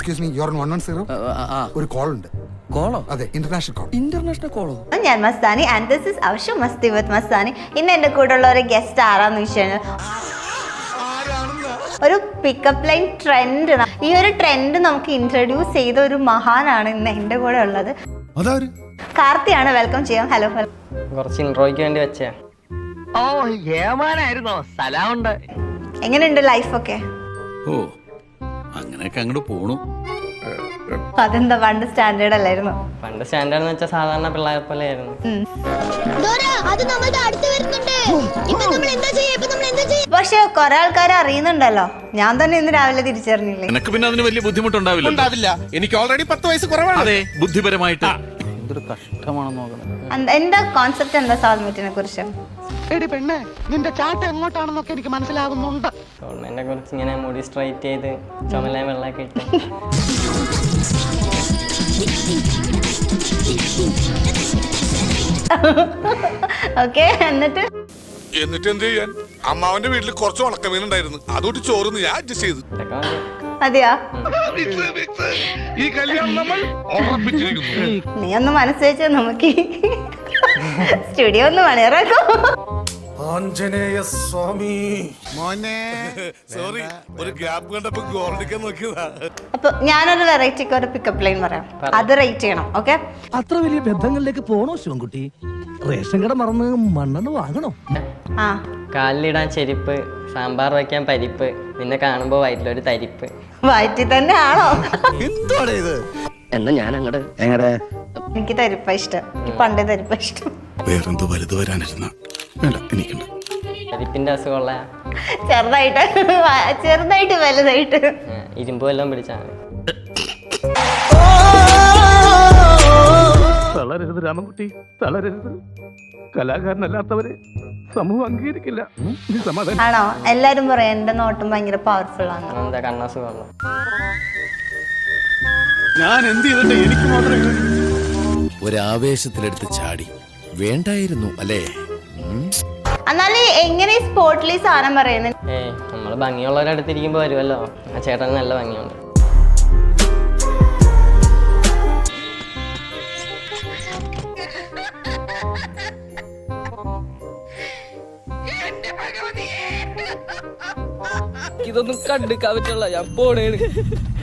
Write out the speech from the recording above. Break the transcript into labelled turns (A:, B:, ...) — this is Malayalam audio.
A: Excuse me, your 110. ഒരു കോൾ ഉണ്ട്.
B: കോളോ?
A: അതെ, ഇന്റർനാഷണൽ കോൾ.
B: ഇന്റർനാഷണൽ കോളോ?
C: ഞാൻ Mastani and this is our show Masti with Mastani. ഇന്ന് എൻ്റെ കൂടെ ഉള്ള ഒരു ഗസ്റ്റ് ആരാന്ന് വെച്ച് കഴിഞ്ഞാൽ ഒരു പിക്കപ്പ് ലൈൻ ട്രെൻഡ്. ഈ ഒരു ട്രെൻഡ് നമുക്ക് ഇൻട്രൊഡ്യൂസ് ചെയ്ത ഒരു മഹാനാണ് ഇന്ന് എൻ്റെ കൂടെ ഉള്ളത്. കാർത്തിയാണ്. വെൽക്കം ചെയ്യാം. ഹലോ.
D: കുറച്ച് ഇൻട്രോയ്ക്ക് വേണ്ടി വെച്ചേ.
E: ഓ ഏമാനായിരുന്നോ? സലാമുണ്ട്.
C: എങ്ങനെയുണ്ട് ലൈഫൊക്കെ?
F: ഓ അങ്ങനെയൊക്കെ അങ്ങോട്ട് പോണു.
C: അതെന്താ പണ്ട് സ്റ്റാൻഡേർഡ് അല്ലായിരുന്നു?
D: പണ്ട് സ്റ്റാൻഡേർഡ് എന്ന് വെച്ചാൽ സാധാരണ പിള്ളേരെ പോലെ ആയിരുന്നു.
C: പക്ഷെ കുറെ ആൾക്കാർ അറിയുന്നുണ്ടല്ലോ. ഞാൻ തന്നെ ഇന്ന് രാവിലെ തിരിച്ചറിഞ്ഞില്ലേ.
F: എനിക്ക് പിന്നെ അതിന് വലിയ ബുദ്ധിമുട്ടുണ്ടാവില്ല.
B: എനിക്ക് ഓൾറെഡി 10 വയസ്സ് കുറവാണ്.
F: അതെ, ബുദ്ധിപരമായിട്ട്
B: എന്തൊരു കഷ്ടമാണെന്ന് നോക്കണം.
C: എന്താ കോൺസെപ്റ്റ്? എന്താ സാൽമീറ്റിനെ കുറിച്ച്?
E: എടി പെണ്ണെ, നിന്റെ ചാട്ട എങ്ങോട്ടാണെന്നൊക്കെ എനിക്ക് മനസ്സിലാകുന്നുണ്ട്.
D: ഗവൺമെന്റിനെ കുറിച്ച് ഇങ്ങനെ മുടി സ്ട്രൈറ്റ് ചെയ്ത് ചുമല വെള്ളമൊക്കെ ഇട്ട്
C: ഓക്കെ. എന്നിട്ട്
G: എന്ത് ചെയ്യാൻ? അമ്മാവന്റെ വീട്ടിൽ കുറച്ച് ഉണക്കമീനുണ്ടായിരുന്നു, അതുകൊണ്ട് ചോറുന്ന് ഞാൻ അഡ്ജസ്റ്റ് ചെയ്തു.
D: ഇതൊക്കെ മതി.
C: അതെയാ?
G: ഈ കല്യാണം നമ്മൾ ഉറപ്പിച്ചിരിക്കുന്നു.
C: നീ ഒന്ന് മനസ്സ് വെച്ചാൽ നമുക്ക് സ്റ്റുഡിയോ ഒന്ന് മണിയറാക്കോ.
B: ആഞ്ജനേയ സ്വാമി
G: മോനെ സോറി, ഒരു ഗ്യാപ്പ് കണ്ടപ്പോ ഗോൾഡിക്കാൻ നോക്കിയതാ.
C: അപ്പൊ ഞാനൊരു വെറൈറ്റിക്ക് ഒരു പിക്കപ്പ് ലൈൻ പറയാം, അത് റേറ്റ് ചെയ്യണം. ഓക്കെ?
H: അത്ര വലിയ ബന്ധങ്ങളിലേക്ക് പോണോ ശിവൻകുട്ടി? റേഷൻ കട മറന്ന് മണ്ണെണ്ണ വാങ്ങണോ?
C: ആ,
D: കാലിലിടാൻ ചെരുപ്പ്, സാമ്പാർ വയ്ക്കാൻ പരിപ്പ്, നിന്നെ കാണുമ്പോ വയറ്റിലൊരു തരിപ്പ്.
C: വയറ്റി തന്നെ ആണോ?
B: എന്താണ് ഇത്?
H: എന്നാ ഞാൻ അങ്ങട് എങ്ങടെ
C: എനിക്ക് തരിപ്പ ഇഷ്ടം. എനിക്ക് പണ്ടേ തരിപ്പ ഇഷ്ടം.
F: വേറെന്തോ വലുത് വരാനിരുന്ന വേണ്ട, എനിക്കുണ്ട്.
D: തരിപ്പിന്റെ അസുഖമുള്ള
C: ചെറുതായിട്ട് വലുതായിട്ട്
D: ഇരുമ്പ് വല്ലതും പിടിച്ചാണ്.
H: തളരരുത് രാമൻകുട്ടി, തളരരുത്. കലാകാരനല്ലാത്തവരെ സമൂഹം അംഗീകരിക്കില്ല. സമാധാനം.
C: ആണോ? എല്ലാരും പറയാം എന്റെ നോട്ടം ഭയങ്കര പവർഫുൾ ആണ്.
D: എന്താ കണ്ണസുഖമുള്ള?
F: ഞാൻ എന്ത് ചെയ്തിട്ട് എനിക്ക് മാത്രമേ ഒരാവേശത്തിലെടുത്ത് ചാടി വേണ്ടായിരുന്നു അല്ലേ?
C: എന്നാലും എങ്ങനെ സ്പോർട്ടിൽ ഈ സാധനം പറയുന്നത്?
D: നമ്മള് ഭംഗിയുള്ളവരുടെ അടുത്തിരിക്കുമ്പോ വരുമല്ലോ. ആ ചേട്ടന് നല്ല ഭംഗിയുണ്ട്.
I: ഇതൊന്നും കണ്ടെടുക്കാൻ പറ്റില്ല. ഞാൻ പോണേണ്.